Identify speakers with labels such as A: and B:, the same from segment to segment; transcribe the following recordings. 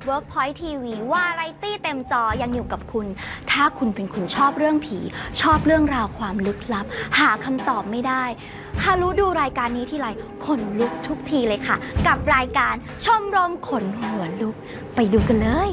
A: Workpoint TV วาไรตี้เต็มจอยังอยู่กับคุณถ้าคุณเป็นคนชอบเรื่องผีชอบเรื่องราวความลึกลับหาคำตอบไม่ได้ฮารุดูรายการนี้ทีไรขนลุกทุกทีเลยค่ะกับรายการชมรมขนหัวลุกไปดูกันเลย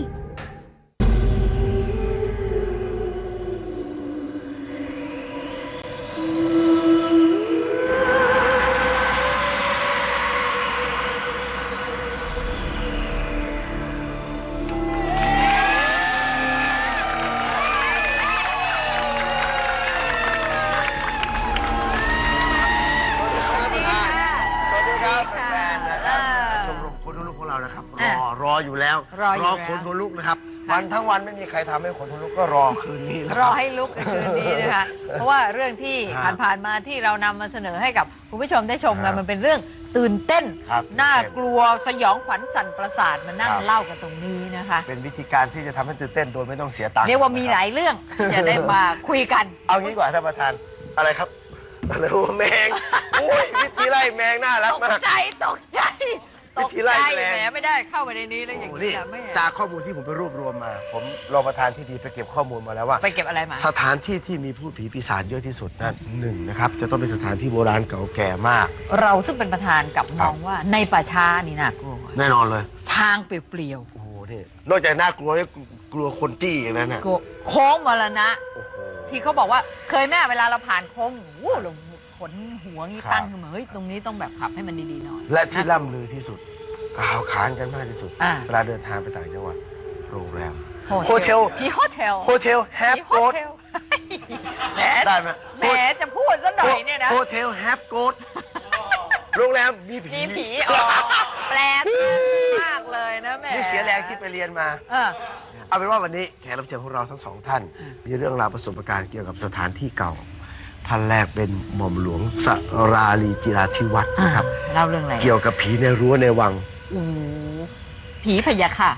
B: รออยู่แล้วรอขนหัวลุกนะครับวันทั้งวันไม่มีใครทำให้ขนหัวลุกก็รอคืนนี้รอ
C: ให้ลุกคืนนี้นะคะเพราะว่าเรื่องที่ผ่านมาที่เรานำมาเสนอให้กับคุณผู้ชมได้ชมกันมันเป็นเรื่องตื่นเต้นน่ากลัวสยองขวัญสั่นประสาทมานั่งเล่ากันตรงนี้นะคะ
B: เป็นวิธีการที่จะทำให้ตื่นเต้นโดยไม่ต้องเสียตังค์
C: เรียกว่ามีหลายเรื่องจะได้มาคุยกัน
B: เอางี้กว่าท่านประธานอะไรครับอะไรแมงอุ้ยวิธีไล่แมงน่ารักมาก
C: ตกใจตกใจแหมไม่ได้เข้าไปในนี้แล้วอย่างนี้ไม่
B: จากข้อมูลที่ผมไปรวบรวมมาผมรองประธานที่ดีไปเก็บข้อมูลมาแล้วว่า
C: ไปเก็บอะไรมา
B: สถานที่ที่มีพูดผีปีศาจเยอะที่สุดนั่นหนึ่งนะครับจะต้องเป็นสถานที่โบราณเก่าแก่มาก
C: เราซึ่งเป็นประธานกับมองว่าในป่าช้านี่น่ากลัว
B: แน่นอนเลย
C: ทางเปลี่ยว
B: โอ้โหนี่นอกจากน่ากลัวนี่กลัวคนจี้อย่างนั้นนะ
C: โค้งมรณะที่เขาบอกว่าเคยแม่เวลาเราผ่านโค้งโอ้เราขนหัวงี้ตั้งขึ้นมาเฮ้ยตรงนี้ต้องแบบขับให้มันดีๆหน่อย
B: และที่ล่ำลือที่สุดกล่าวขานกันมากที่สุดเวลาเดินทางไปต่างจังหวัดโรงแรมโฮเทลแฮปโกดได้ไหม
C: แหมจะพูดซะหน่อยเนี่ยนะ
B: โฮเทลแฮปโกดโรงแรมมีผี
C: แปลกมากเลยนะแม่
B: นี่เสียแรงที่ไปเรียนมาเอาเป็นว่าวันนี้แขกรับเชิญของเราทั้งสองท่านมีเรื่องราวประสบการณ์เกี่ยวกับสถานที่เก่าท่านแรกเป็นหม่อมหลวงสราลีจิราธิวัฒน์นะครับ
C: เล่าเรื่องอะไร
B: เกี่ยวกับผีในรั้วในวัง
C: ผีพยาค่ะ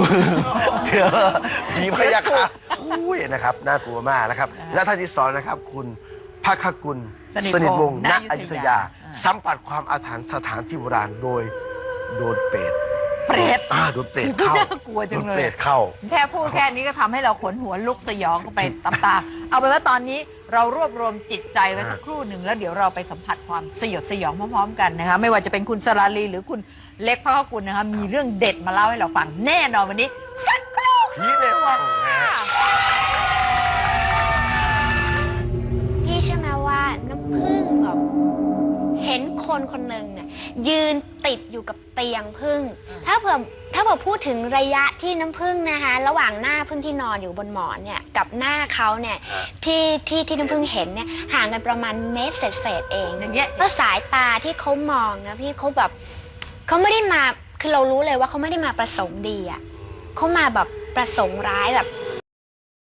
B: ผีพยาค่ะอุ้ยนะครับน่ากลัวมากนะครับและท่านที่สองนะครับคุณภคกุลสนิทวงศ์ณอยุธยาสัมผัสความอาถรรพ์สถานที่โบราณโดยโดนเปรตโดนเปรตเข้า
C: น่ากลัวจังเลย
B: เปรตเข้า
C: แค่พูดแค่นี้ก็ทำให้เราขนหัวลุกสยองกันไปตามๆเอาไปว่าตอนนี้เรารวบรวมจิตใจไว้สักครู่หนึ่งแล้วเดี๋ยวเราไปสัมผัสความสยดสยองพร้อมๆกันนะคะไม่ว่าจะเป็นคุณสราลีหรือคุณเล็กภคกุลนะคะมีเรื่องเด็ดมาเล่าให้เราฟังแน่นอนวันนี้สักครู่
B: ผีในวัง
A: พี่เชื่อไหมว่าน้ำผึ้งแบบเห็นคนคนหนึ่งเนี่ยยืนติดอยู่กับเตียงผึ้งถ้าเผื่อพูดถึงระยะที่น้ำผึ้งนะคะระหว่างหน้าผึ้งที่นอนอยู่บนหมอนเนี่ยกับหน้าเขาเนี่ยที่น้ำผึ้งเห็นเนี่ยห่างกันประมาณเมตรเศษเองอย่างเงี้ยแล้วสายตาที่เขามองนะพี่เขาแบบเขาไม่ได้มาคือเรารู้เลยว่าเขาไม่ได้มาประสงค์ดีอ่ะเขามาแบบประสงค์ร้ายแบบ